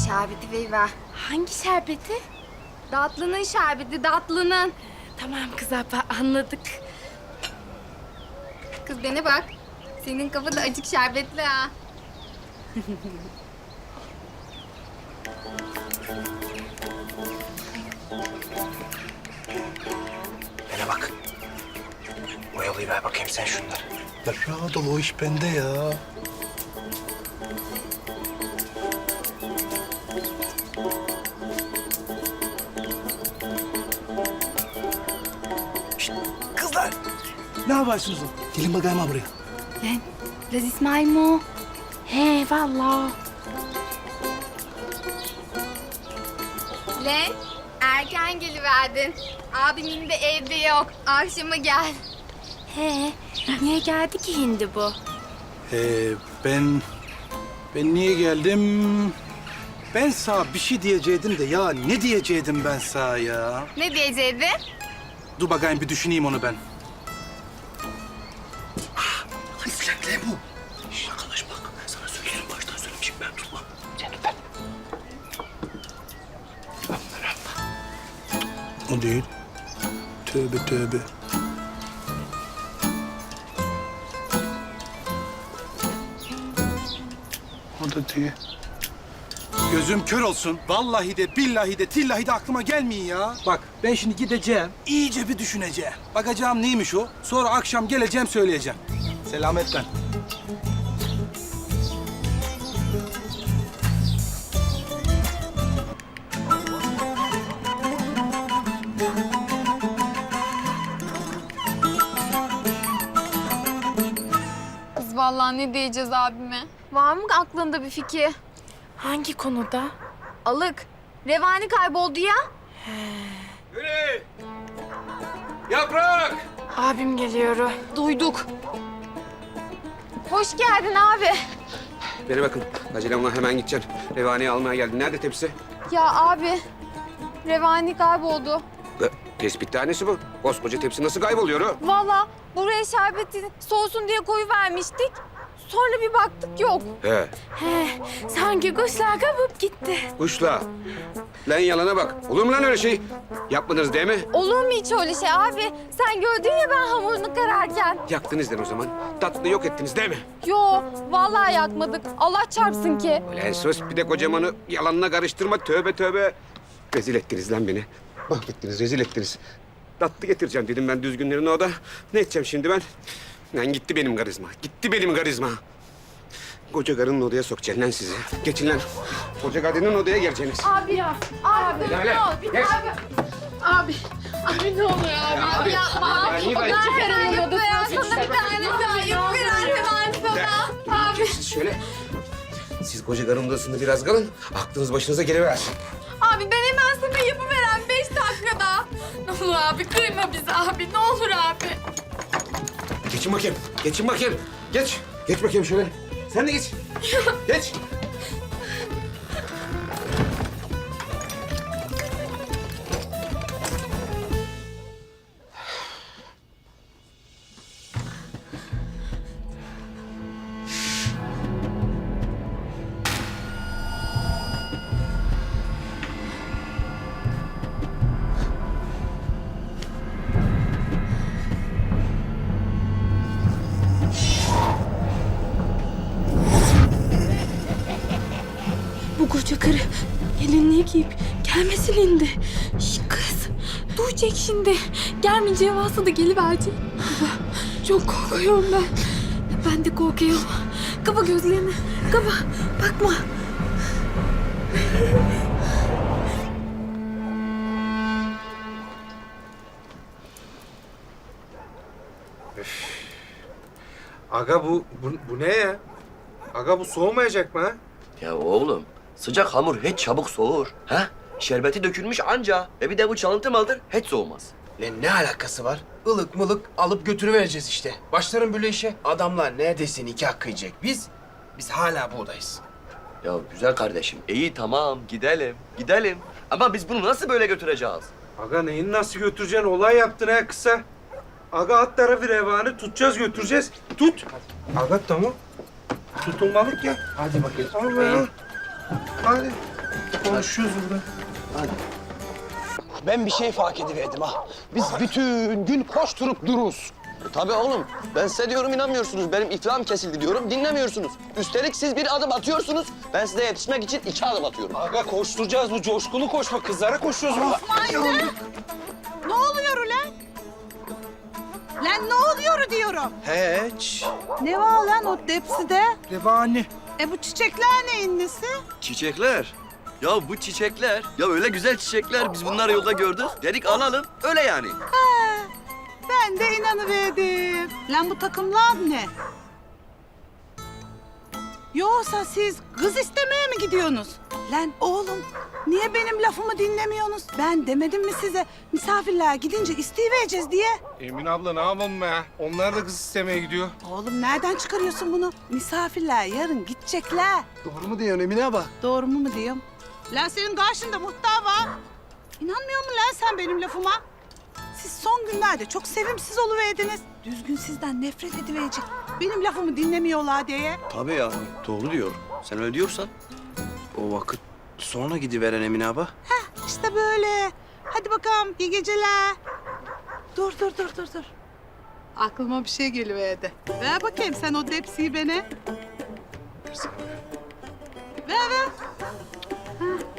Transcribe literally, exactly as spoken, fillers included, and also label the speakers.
Speaker 1: şerbeti veriver.
Speaker 2: Hangi şerbeti?
Speaker 1: Datlının şerbeti, datlının.
Speaker 2: Tamam kız abla anladık.
Speaker 1: Kız bana bak. Senin kafa da acık şerbetli ha.
Speaker 3: Bana bak. Oyalayıver bakayım sen şunları.
Speaker 4: Ya rahat ol, o iş bende ya. Şişt, kızlar. Ne yaparsınız? Gelin bakayım ha buraya.
Speaker 2: Lan Laz İsmail mi o? He vallahi.
Speaker 1: Lan erken geliverdin. Abimin de evde yok. Akşama gel.
Speaker 2: He niye geldi ki hindi bu?
Speaker 4: Ee, ben... Ben niye geldim? Ben sana bir şey diyecektim de ya ne diyecektim ben sana ya?
Speaker 1: Ne diyecektin?
Speaker 4: Dur bakayım bir düşüneyim onu ben.
Speaker 3: Hani flankle bu. Şş, arkadaş bak. Sana söylerim baştan söylemişim ben tutmam. Sen tut ben. Aman Allah.
Speaker 4: O değil. Tövbe tövbe. O da değil. Gözüm kör olsun. Vallahi de billahi de tillahi de aklıma gelmeyin ya. Bak ben şimdi gideceğim. İyice bir düşüneceğim. Bakacağım neymiş o. Sonra akşam geleceğim söyleyeceğim. Selametle.
Speaker 1: Kız vallahi ne diyeceğiz abime? Var mı aklında bir fikir?
Speaker 2: Hangi konuda?
Speaker 1: Alık. Revani kayboldu ya.
Speaker 4: Yürü! Yaprak!
Speaker 2: Abim geliyor.
Speaker 1: Duyduk. Hoş geldin abi.
Speaker 5: Bana bakın. Acelem var, hemen gideceğim. Revani'yi almaya geldim. Nerede tepsi?
Speaker 1: Ya abi. Revani kayboldu.
Speaker 5: E, tespit tanesi bu. Koskoca tepsi nasıl kayboluyor o?
Speaker 1: Vallahi buraya şerbeti soğusun diye koyu vermiştik. Sonra bir baktık yok.
Speaker 5: He.
Speaker 2: He sanki kuşlar kapıp gitti.
Speaker 5: Kuşla. Lan yalana bak. Olur mu lan öyle şey? Yapmadınız değil mi?
Speaker 1: Olur mu hiç öyle şey abi? Sen gördün ya ben hamurunu kararken.
Speaker 5: Yaktınız lan o zaman. Tatlı yok ettiniz değil mi?
Speaker 1: Yo vallahi yakmadık. Allah çarpsın ki.
Speaker 5: Ulan sus, bir de kocamanı yalanına karıştırma. Tövbe tövbe. Rezil ettiniz lan beni. Mahvettiniz, rezil ettiniz. Tatlı getireceğim dedim ben düzgünlerine o da. Ne edeceğim şimdi ben? Lan gitti benim karizma. Gitti benim karizma. Koca karının odaya sokacaksın lan sizi. Geçin lan. Koca kadının odaya geleceksiniz.
Speaker 1: Abi ya. Abi dur
Speaker 5: Gel
Speaker 1: ne
Speaker 5: lan,
Speaker 1: olur.
Speaker 5: gel.
Speaker 1: Abi. Abi. Abi ne oluyor abi? Abi yapma.
Speaker 5: Ya, niye böyle-
Speaker 1: Ben yapma ya. Sana bir tane daha yapıver hemen sana. Abi.
Speaker 5: Siz şöyle... Siz koca karının odasında biraz kalın. Aklınız başınıza geliversin.
Speaker 1: Abi ben hemen sana yapıveren beş dakikada. Ne olur abi kırma bizi abi. Ne olur abi.
Speaker 5: Geçin bakayım. Geçin bakayım. Geç. Geç bakayım şöyle. Sen de geç. Geç.
Speaker 2: Bu koca karı gelinliği giyip gelmesin indi. Şş, kız duyacak şimdi. Gelmeyeceği varsa da geliverecek. Kaba, çok korkuyorum ben. Ben de korkuyorum. Kapa gözlerini. Kapa bakma.
Speaker 6: Aga bu, bu, bu ne ya? Aga bu soğumayacak mı ha?
Speaker 7: Ya oğlum, sıcak hamur hiç çabuk soğur. Ha? Şerbeti dökülmüş anca. E bir de bu çalıntı maldır, hiç soğumaz.
Speaker 3: Lan ne alakası var? Ilık mılık alıp götürüvereceğiz işte. Başlarım böyle işe. Adamlar neredeyse nikah kıyacak. Biz, biz hala buradayız.
Speaker 7: Ya güzel kardeşim, iyi tamam gidelim, gidelim. Ama biz bunu nasıl böyle götüreceğiz?
Speaker 6: Aga neyin nasıl götüreceksin? Olay yaptın ha kısa. Aga at tarafı revanı tutacağız götüreceğiz. Tut. Aga tamam. Tutulmalık ya.
Speaker 3: Hadi bakayım.
Speaker 6: Allah. Hadi. Konuşuyoruz burada.
Speaker 8: Ben bir şey fark ediverdim ha. Biz bütün gün koşturup dururuz.
Speaker 7: E, tabii oğlum. Ben size diyorum inanmıyorsunuz. Benim iflahım kesildi diyorum. Dinlemiyorsunuz. Üstelik siz bir adım atıyorsunuz. Ben size yetişmek için iki adım atıyorum.
Speaker 6: Aga koşturacağız bu coşkulu koşma. Kızlara koşuyoruz.
Speaker 9: Ne oluyor ulan? Lan ne oluyor diyorum.
Speaker 8: Hiç.
Speaker 9: Ne var lan o tepside?
Speaker 4: Revani.
Speaker 9: E bu çiçekler neyin nesi?
Speaker 7: Çiçekler. Ya bu çiçekler. Ya öyle güzel çiçekler. Biz bunları yolda gördük. Dedik alalım. Öyle yani.
Speaker 9: Ben de inanıverdim. Lan bu takımlar ne? Yoksa siz kız istemeye mi gidiyorsunuz? Lan oğlum niye benim lafımı dinlemiyorsunuz? Ben demedim mi size misafirler gidince isteyivereceğiz diye?
Speaker 6: Emin abla ne yapalım be? Onlar da kız istemeye gidiyor.
Speaker 9: Oğlum nereden çıkarıyorsun bunu? Misafirler yarın gidecekler.
Speaker 8: Doğru mu diyorsun Emine abla?
Speaker 9: Doğru mu mu diyorum? Lan senin karşında muhtar var. İnanmıyor musun lan sen benim lafıma? Siz son günlerde çok sevimsiz oluverdiniz. Düzgün sizden nefret ediverecek. Benim lafımı dinlemiyorlar diye.
Speaker 7: Tabii ya. Doğru diyor. Sen öyle diyorsan.
Speaker 8: O vakit sonra gidiveren Emine abla.
Speaker 9: İşte böyle. Hadi bakalım iyi geceler. Dur dur dur dur dur. Aklıma bir şey geliverdi. Ver bakayım sen o depsiyi bana. Ver ver. Ha.